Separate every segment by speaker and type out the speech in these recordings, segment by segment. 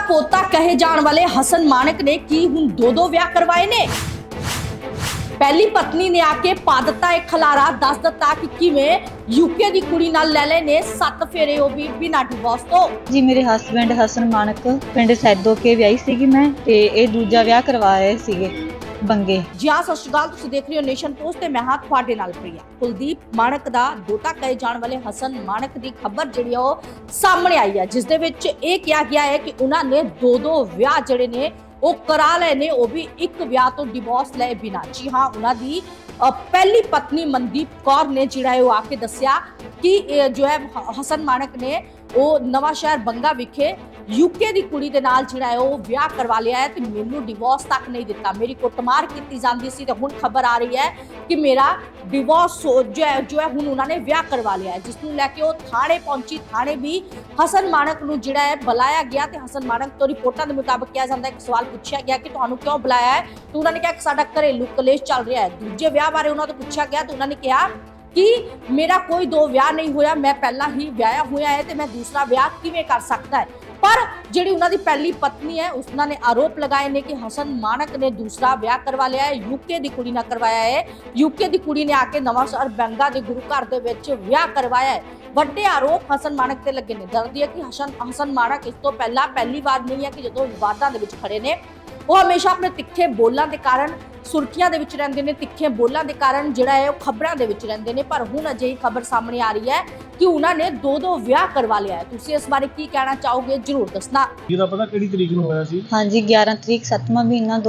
Speaker 1: पोता कहे जाने वाले हसन मानक ने की हुण दो विआह करवाए ने। पहली पत्नी ने आके पा दिता एक खलारा, दस दिता कि किवें यूके दी कुड़ी नाल ले ले ने 7 फेरे ओ भी बिना डिवोर्स तो।
Speaker 2: जी मेरे हसबैंड हसन मानक पिंड सैदो के विआही सीगी मैं ते ए दूजा विआह करवाए सीगे बंगे।
Speaker 1: जी हाँ, सत श्री अकाल, तुसीं देख रहे हो नेशन पोस्ट ते मैं हां तुहाडे नाल प्रिया। कुलदीप मानक दा दोता कहे जाने वाले हसन मानक दी खबर जिहड़ी आ ओह सामने आई है, जिस दे विच इह किहा गया है कि उन्हां ने दो विआह जिहड़े ने ਉਹ ਕਰਾ ਲਏ ਨੇ, ਉਹ ਵੀ ਇੱਕ ਵਿਆਹ ਤੋਂ ਡਿਵੋਰਸ ਲਏ ਬਿਨਾ। ਜੀ ਹਾਂ, ਉਹਨਾਂ ਦੀ ਪਹਿਲੀ ਪਤਨੀ ਮਨਦੀਪ ਕੌਰ ਨੇ ਜਿਹੜਾ ਉਹ ਆ ਕੇ ਦੱਸਿਆ ਕਿ ਜੋ ਹੈ ਹਸਨ ਮਾਨਕ ਨੇ ਉਹ ਨਵਾਂ ਸ਼ਹਿਰ ਬੰਗਾ ਵਿਖੇ यूके ਦੀ ਕੁੜੀ ਦੇ ਨਾਲ ਜਿਹੜਾ ਉਹ ਵਿਆਹ ਕਰਵਾ ਲਿਆ ਹੈ ਤੇ ਮੈਨੂੰ ਡਿਵੋਰਸ ਤੱਕ ਨਹੀਂ ਦਿੱਤਾ, ਮੇਰੀ ਕੁੱਟਮਾਰ ਕੀਤੀ ਜਾਂਦੀ ਸੀ ਤੇ ਹੁਣ ਖਬਰ ਆ ਰਹੀ ਹੈ ਕਿ ਮੇਰਾ डिवोर्स जो है हुण उन्होंने विआह करवा लिया है, जिसनूं लैके वो थाने पहुंची। थाने भी हसन मानक नूं जिहड़ा है बुलाया गया ते हसन मानक तो रिपोर्टां दे मुताबिक कहा जाता है कि सवाल पूछा गया कि तुहानूं क्यों बुलाया है, तो उन्होंने कहा कि साडा घरेलू कलेश चल रहा है। दूजे विआह बारे उन्होंने तो पूछा गया तो उन्होंने कहा कि मेरा कोई दो विआह नहीं होया, मैं पहला ही विआहिया होया है तो मैं दूसरा विआह किवें कर सकता है। पर जिहड़ी उन्हां दी पहली पत्नी है उसना ने आरोप लगाए ने कि हसन मानक ने दूसरा विआह करवा लिया है, यूके दी कुड़ी नाल करवाया है। यूके दी कुड़ी ने आके नवांशहर बंगा दे गुरु घर दे विच विआह करवाया है। ਵੱਡੇ ਆਰੋਪ ਹਸਨ ਮਾਨਕ ਤੇ ਲੱਗੇ ਨੇ। ਦੱਸਦੀ ਹੈ ਕਿ ਹਸਨ ਮਾਨਕ ਇਸ ਤੋਂ ਪਹਿਲਾਂ ਪਹਿਲੀ ਵਾਰ ਨਹੀਂ ਹੈ ਕਿ ਜਦੋਂ ਵਿਵਾਦਾਂ ਦੇ ਵਿੱਚ ਖੜੇ ਨੇ, ਉਹ ਹਮੇਸ਼ਾ ਆਪਣੇ ਤਿੱਖੇ ਬੋਲਾਂ ਦੇ ਕਾਰਨ ਸੁਰਖੀਆਂ ਦੇ ਵਿੱਚ ਰਹਿੰਦੇ ਨੇ, ਤਿੱਖੇ ਬੋਲਾਂ ਦੇ ਕਾਰਨ ਜਿਹੜਾ ਹੈ ਉਹ ਖਬਰਾਂ ਦੇ ਵਿੱਚ ਰਹਿੰਦੇ ਨੇ। ਪਰ ਹੁਣ ਅਜਿਹੀ ਖਬਰ ਸਾਹਮਣੇ ਆ ਰਹੀ ਹੈ ਕਿ ਉਹਨਾਂ ਨੇ ਦੋ ਵਿਆਹ ਕਰਵਾ ਲਿਆ ਹੈ। ਤੁਸੀਂ ਇਸ ਬਾਰੇ ਕੀ ਕਹਿਣਾ ਚਾਹੋਗੇ, ਜਰੂਰ ਦੱਸਣਾ।
Speaker 3: ਇਹਦਾ ਪਤਾ ਕਿਹੜੀ ਤਰੀਕ ਨੂੰ ਹੋਇਆ ਸੀ?
Speaker 2: ਹਾਂਜੀ 11 ਤਰੀਕ 7ਵਾਂ ਮਹੀਨਾ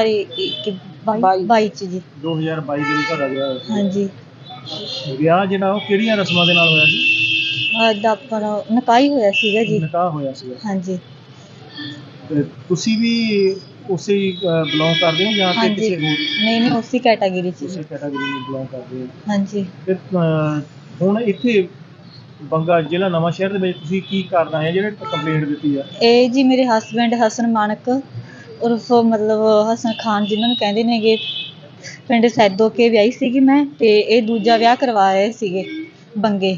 Speaker 2: 2022 ਚ ਜੀ।
Speaker 3: 2022 ਦੇ ਵਿੱਚ ਤੁਹਾਡਾ ਵਿਆਹ ਹੋਇਆ ਸੀ।
Speaker 2: ਹਾਂਜੀ
Speaker 3: ਵਿਆਹ ਜਿਹੜਾ ਉਹ ਕਿਹੜੀਆਂ ਰਸਮਾਂ ਦੇ ਨਾਲ ਹੋਇਆ ਸੀ?
Speaker 2: ਅੱਜ ਆਪਣਾ ਨਿਕਾਹ ਹੀ ਹੋਇਆ ਸੀਗਾ ਜੀ।
Speaker 3: ਨਿਕਾਹ ਹੋਇਆ ਸੀ।
Speaker 2: ਹਾਂਜੀ
Speaker 3: ਤੇ ਤੁਸੀਂ ਵੀ ਉਸੇ ਬਿਲੋਂਗ ਕਰਦੇ ਹੋ ਜਾਂ ਕਿ ਕਿਸੇ ਹੋਰ?
Speaker 2: ਨਹੀਂ ਉਸੇ ਕੈਟਾਗਰੀ ਚ
Speaker 3: ਉਸੇ ਕੈਟਾਗਰੀ ਨੂੰ ਬਿਲੋਂਗ ਕਰਦੇ ਹੋ?
Speaker 2: ਹਾਂਜੀ।
Speaker 3: ਤੇ ਹੁਣ ਇੱਥੇ ਬੰਗਾ ਜ਼ਿਲ੍ਹਾ ਨਵਾਂ ਸ਼ਹਿਰ ਦੇ ਵਿੱਚ ਤੁਸੀਂ ਕੀ ਕਰਨਾ ਹੈ ਜਿਹੜੇ ਕੰਪਲੇਂਟ ਦਿੱਤੀ ਆ?
Speaker 2: ਇਹ ਜੀ ਮੇਰੇ ਹਸਬੈਂਡ ਹਸਨ ਮਾਨਕ ਉਰਫ ਮਤਲਬ ਹਸਨ ਖਾਨ ਜਿਨ੍ਹਾਂ ਨੂੰ ਕਹਿੰਦੇ ਨੇਗੇ, ਪਿੰਡ ਸੈਦੋ ਕੇ ਵਿਆਹੀ ਸੀਗੀ ਮੈਂ ਤੇ ਇਹ ਦੂਜਾ ਵਿਆਹ ਕਰਵਾਏ ਸੀਗੇ ਬੰਗੇ।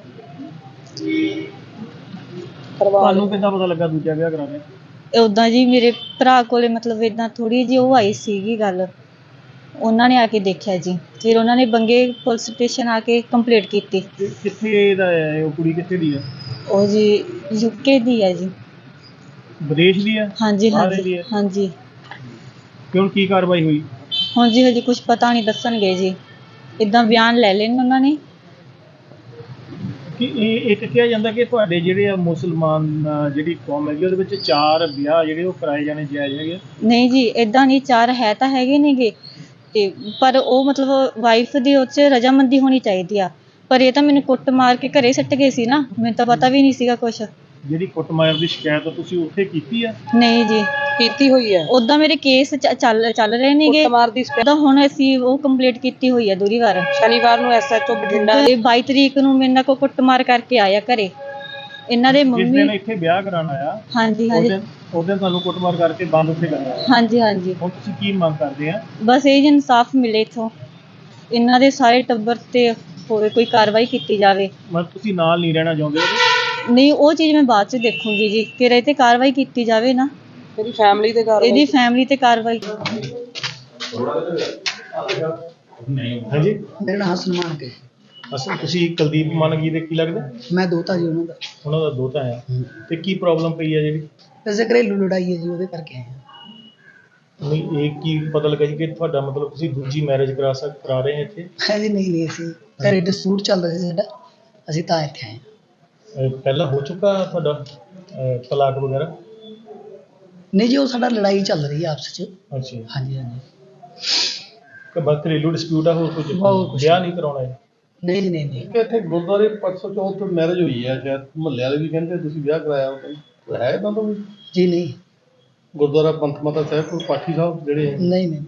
Speaker 3: ਤੁਹਾਨੂੰ ਕਿੱਦਾਂ ਪਤਾ ਲੱਗਾ ਦੂਜਾ ਵਿਆਹ ਕਰਾਉਣਾ?
Speaker 2: ਉਦਾਂ ਜੀ ਮੇਰੇ ਭਰਾ ਕੋਲੇ ਮਤਲਬ ਇਦਾਂ ਥੋੜੀ ਜਿਹੀ ਉਹ ਆਈ ਸੀਗੀ ਗੱਲ, ਉਹਨਾਂ ਨੇ ਆ ਕੇ ਦੇਖਿਆ ਜੀ। ਫਿਰ ਉਹਨਾਂ ਨੇ ਬੰਗੇ ਪੁਲਿਸ ਸਟੇਸ਼ਨ ਆ ਕੇ ਕੰਪਲੇਂਟ ਕੀਤੀ।
Speaker 3: ਕਿੱਥੇ ਦਾ ਹੈ ਉਹ ਕੁੜੀ? ਕਿੱਥੇ ਦੀ ਆ
Speaker 2: ਉਹ ਜੀ ਯੂਕੇ ਦੀ ਹੈ ਜੀ।
Speaker 3: ਵਿਦੇਸ਼ ਦੀ ਆ?
Speaker 2: ਹਾਂਜੀ ਹਾਂਜੀ ਹਾਂਜੀ।
Speaker 3: ਕਿਉਂ ਕੀ ਕਾਰਵਾਈ ਹੋਈ?
Speaker 2: ਹੁਣ ਜੀ ਹਜੇ ਕੁਝ ਪਤਾ ਨਹੀਂ, ਦੱਸਣਗੇ ਜੀ। ਇਦਾਂ ਬਿਆਨ ਲੈ ਲੈਣ ਉਹਨਾਂ ਨੇ
Speaker 3: ਕਿ ਇਹ ਇੱਕ ਕਿਹਾ ਜਾਂਦਾ ਕਿ ਤੁਹਾਡੇ ਜਿਹੜੇ ਆ ਮੁਸਲਮਾਨ ਜਿਹੜੀ ਕੌਮ ਹੈਗੀ ਉਹਦੇ ਵਿੱਚ 4 ਵਿਆਹ ਜਿਹੜੇ ਉਹ ਕਰਾਏ ਜਾਣੇ ਜਾਇਜ਼ ਹੈਗੇ? ਨਹੀਂ
Speaker 2: ਜੀ ਇਦਾਂ ਨਹੀਂ, 4 ਹੈ ਤਾਂ ਹੈਗੇ ਨੇਗੇ ਤੇ ਪਰ ਉਹ ਮਤਲਬ ਵਾਈਫ ਦੀ ਉਹ 'ਚ ਰਜਾਮੰਦੀ ਹੋਣੀ ਚਾਹੀਦੀ ਆ। ਪਰ ਇਹ ਤਾਂ ਮੈਨੂੰ ਕੁੱਟ ਮਾਰ ਕੇ ਘਰੇ ਸੱਟ ਗਏ ਸੀ ਨਾ, ਮੈਨੂੰ ਤਾਂ ਪਤਾ ਵੀ ਨਹੀਂ ਸੀਗਾ ਕੁਛ।
Speaker 3: ਜਿਹੜੀ ਕੁੱਟਮਾਰ ਦੀ ਸ਼ਿਕਾਇਤ ਤੁਸੀਂ ਉੱਥੇ ਕੀਤੀ ਆ?
Speaker 2: ਨਹੀਂ ਜੀ ਕੀਤੀ ਹੋਈ ਹੈ। ਉਦਾਂ ਮੇਰੇ ਕੇਸ ਚੱਲ ਰਹੇ ਨੇਗੇ ਕੁੱਟਮਾਰ ਦੀ। ਹੁਣ ਅਸੀਂ ਉਹ ਕੰਪਲੀਟ ਕੀਤੀ ਹੋਈ ਹੈ ਦੂਰੀ ਵਾਰ। ਸ਼ਨੀਵਾਰ ਨੂੰ ਐਸਐਚਓ ਬਠਿੰਡਾ 22 ਤਰੀਕ ਨੂੰ ਮੇਰੇ ਨਾਲ ਕੋ ਕੁੱਟਮਾਰ ਕਰਕੇ ਆਇਆ ਘਰੇ। ਇਹਨਾਂ ਦੇ ਮੰਮੀ
Speaker 3: ਜਿਸ ਦਿਨ ਇੱਥੇ ਵਿਆਹ ਕਰਾਉਣ ਆਇਆ? ਹਾਂਜੀ ਉਸ ਦਿਨ ਤੁਹਾਨੂੰ ਕੁੱਟਮਾਰ ਕਰਕੇ ਬੰਦ ਉੱਥੇ ਕਰਨਾ? ਹਾਂਜੀ। ਹੁਣ ਤੁਸੀਂ ਕੀ ਮੰਗ ਕਰਦੇ ਆ?
Speaker 2: ਬਸ ਇਹ ਇਨਸਾਫ ਮਿਲੇ ਇੱਥੋਂ, ਇਹਨਾਂ ਦੇ ਸਾਰੇ ਟੱਬਰ ਤੇ ਹੋਵੇ ਕੋਈ ਕਾਰਵਾਈ ਕੀਤੀ ਜਾਵੇ।
Speaker 3: ਮਤਲਬ ਤੁਸੀਂ ਨਾਲ ਨਹੀਂ ਰਹਿਣਾ ਚਾਹੁੰਦੇ?
Speaker 2: ਨਹੀਂ, ਉਹ ਚੀਜ਼ ਮੈਂ ਬਾਅਦ ਚ ਦੇਖੂੰਗੀ ਜੀ, ਕਿ ਇਹ ਤੇ ਕਾਰਵਾਈ ਕੀਤੀ ਜਾਵੇ ਨਾ। ਇਹਦੀ ਫੈਮਿਲੀ ਤੇ ਕਾਰਵਾਈ।
Speaker 3: ਹਾਂਜੀ,
Speaker 4: ਮੇਰਾ ਨਾਮ ਹਸਨ ਮਾਨਕ ਹੈ।
Speaker 3: ਅਸਲ ਤੁਸੀਂ ਕੁਲਦੀਪ ਮਾਨਕ ਜੀ ਦੇ ਕੀ ਲੱਗਦਾ?
Speaker 4: ਮੈਂ ਦੋਤਾ ਜੀ ਉਹਨਾਂ
Speaker 3: ਦਾ ਦੋਤਾ ਹੈ। ਤੇ ਕੀ ਪ੍ਰੋਬਲਮ ਪਈ ਹੈ ਜਿਹੜੀ?
Speaker 4: ਵੈਸੇ ਘਰੇਲੂ ਲੜਾਈ ਹੈ ਜੀ, ਉਹਦੇ ਕਰਕੇ ਆਏ ਹਾਂ।
Speaker 3: ਨਹੀਂ, ਇਹ ਕੀ ਪਤਾ ਲੱਗਾ ਜੀ ਕਿ ਤੁਹਾਡਾ ਮਤਲਬ ਤੁਸੀਂ ਦੂਜੀ ਮੈਰਿਜ ਕਰਾ ਰਹੇ ਹੋ ਇੱਥੇ?
Speaker 4: ਹਾਂਜੀ ਨਹੀਂ ਅਸੀਂ ਘਰੇ ਡਿਸਪਿਊਟ ਚੱਲ ਰਿਹਾ ਸੀ ਸਾਡਾ, ਅਸੀਂ ਤਾਂ ਇੱਥੇ ਆਏ ਹਾਂ।
Speaker 3: ਪਹਿਲਾਂ ਹੋ ਚੁੱਕਾ ਤੁਹਾਡਾ ਤਲਾਕ ਵਗੈਰਾ?
Speaker 4: ਨਹੀਂ ਜੀ, ਉਹ ਸਾਡਾ ਲੜਾਈ ਚੱਲ ਰਹੀ ਹੈ ਆਪਸ 'ਚ।
Speaker 3: ਅੱਛਾ।
Speaker 4: ਹਾਂਜੀ।
Speaker 3: ਕਿ ਬਸ ਘਰੇਲੂ ਡਿਸਪਿਊਟ ਆ, ਹੋਰ ਕੁਝ ਵਿਆਹ ਨਹੀਂ ਕਰਾਉਣਾ ਹੈ? ਨਹੀਂ ਜੀ ਨਹੀਂ।
Speaker 5: ਇੱਥੇ ਗੁਰਦੁਆਰੇ 504 ਮੈਰਿਜ ਹੋਈ ਹੈ, ਸ਼ਾਇਦ ਮੁਹੱਲੇ ਵਾਲੇ ਵੀ ਕਹਿੰਦੇ ਤੁਸੀਂ ਵਿਆਹ ਕਰਾਇਆ ਹੈ ਇਦਾਂ ਤੋਂ ਵੀ?
Speaker 4: ਜੀ ਨਹੀਂ।
Speaker 5: ਗੁਰਦੁਆਰਾ ਪੰਥ ਮਾਤਾ ਸਾਹਿਬ ਕੋਲ ਪਾਠੀ ਸਾਹਿਬ ਜਿਹੜੇ
Speaker 4: ਨਹੀਂ